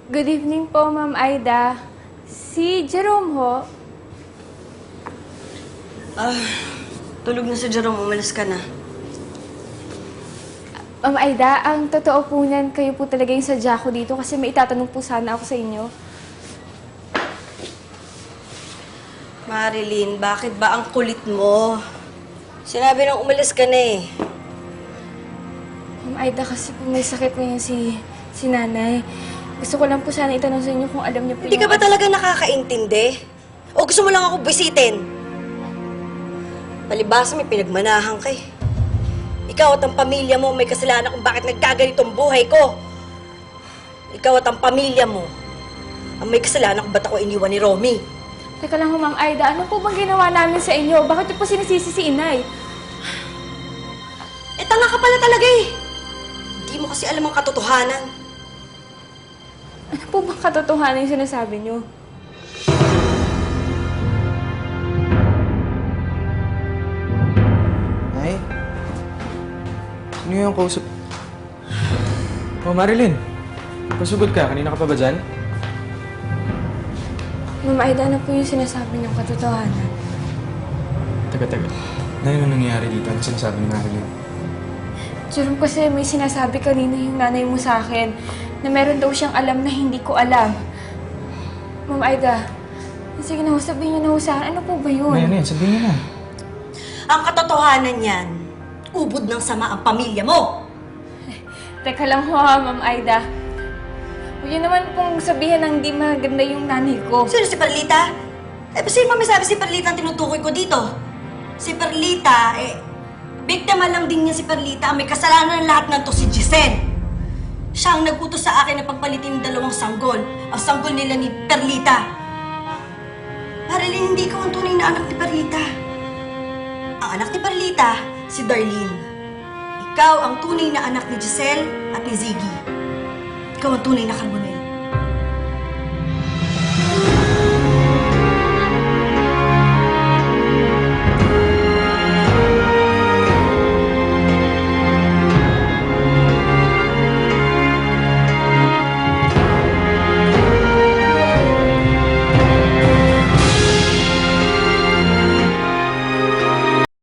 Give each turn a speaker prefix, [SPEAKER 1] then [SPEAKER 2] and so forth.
[SPEAKER 1] Good evening po, Ma'am Aida. Si Jerome ho.
[SPEAKER 2] Tulog na si Jerome. Umalis ka na.
[SPEAKER 1] Ma'am Aida, ang totoo po niyan, kayo po talaga yung sadya ko dito kasi may itatanong po sana ako sa inyo.
[SPEAKER 2] Marilyn, bakit ba ang kulit mo? Sinabi nang umalis ka na eh.
[SPEAKER 1] Ma'am Aida, kasi po may sakit ngayon si nanay. Gusto ko lang po sana itanong sa inyo kung alam niyo po
[SPEAKER 2] Hindi ka ba talaga nakakaintindi? O gusto mo lang ako bisitin? Palibasa may pinagmanahan ka eh. Ikaw at ang pamilya mo may kasalanan kung bakit nagkaganito ang buhay ko. Ikaw at ang pamilya mo ang may kasalanan kung ba't ako iniwan ni Romy.
[SPEAKER 1] Teka lang ho, Ma'am Aida, ano po bang ginawa namin sa inyo? Bakit niyo po sinisisi si inay?
[SPEAKER 2] Eh, tanga ka pala talaga eh. Hindi mo kasi alam ang katotohanan.
[SPEAKER 1] Ano po bang katotohanan yung sinasabi niyo?
[SPEAKER 3] Ay? Sino yung kausap? Oh, Marilyn. Pasugod ka. Kanina ka pa ba dyan?
[SPEAKER 1] Ma'am Aida, ano po yung sinasabi niyong katotohanan?
[SPEAKER 3] Taga. Ano nangyayari dito? Ano sinasabi ni Marilyn?
[SPEAKER 1] Jerome, kasi may sinasabi kanina yung nanay mo sa akin na meron daw siyang alam na hindi ko alam. Ma'am Aida, sige na ho, sabihin niyo na ho sa akin. Ano po ba yun?
[SPEAKER 3] Ano yan? Sabihin niyo na.
[SPEAKER 2] Ang katotohanan yan, ubod ng sama ang pamilya mo.
[SPEAKER 1] Teka lang ho, Ma'am Aida. Huwag niyo naman pong sabihin ng di maganda yung nanay ko.
[SPEAKER 2] Sino si Perlita? Eh, sino ba may sabi si Perlita ang tinutukoy ko dito? Si Perlita, biktima lang din niya si Perlita. Ang may kasalanan ng lahat ng to si Giselle. Siya ang nag-utos sa akin na pagpalitin ng dalawang sanggol. Ang sanggol nila ni Perlita. Marilyn, hindi ikaw ang tunay na anak ni Perlita. Ang anak ni Perlita, si Darlene. Ikaw ang tunay na anak ni Giselle at ni Ziggy. Ikaw ang tunay na Carbonell.